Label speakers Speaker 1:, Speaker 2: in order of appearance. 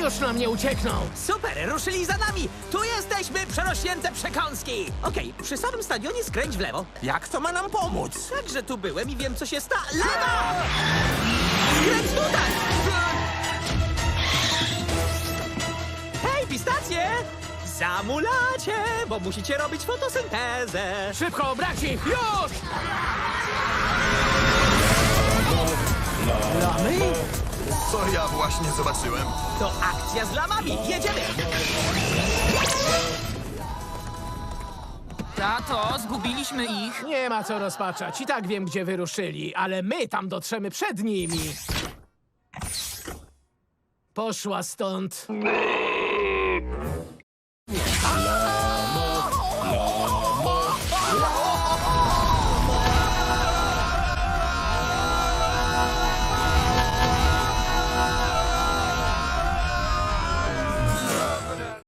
Speaker 1: Już nam nie uciekną!
Speaker 2: Super, ruszyli za nami! Tu jesteśmy, przerośnięte przekąski! Okej, przy samym stadionie skręć w lewo.
Speaker 3: Jak to ma nam pomóc?
Speaker 2: Także tu byłem i wiem, co się Lewo! Skręć tutaj! Hej, pistacje! Zamulacie, bo musicie robić fotosyntezę.
Speaker 1: Szybko, brać ich! Już! Lamy?
Speaker 4: Co ja właśnie zobaczyłem?
Speaker 2: To akcja z lamami. Jedziemy!
Speaker 5: Tato, zgubiliśmy ich.
Speaker 1: Nie ma co rozpaczać. I tak wiem, gdzie wyruszyli, ale my tam dotrzemy przed nimi. Poszła stąd.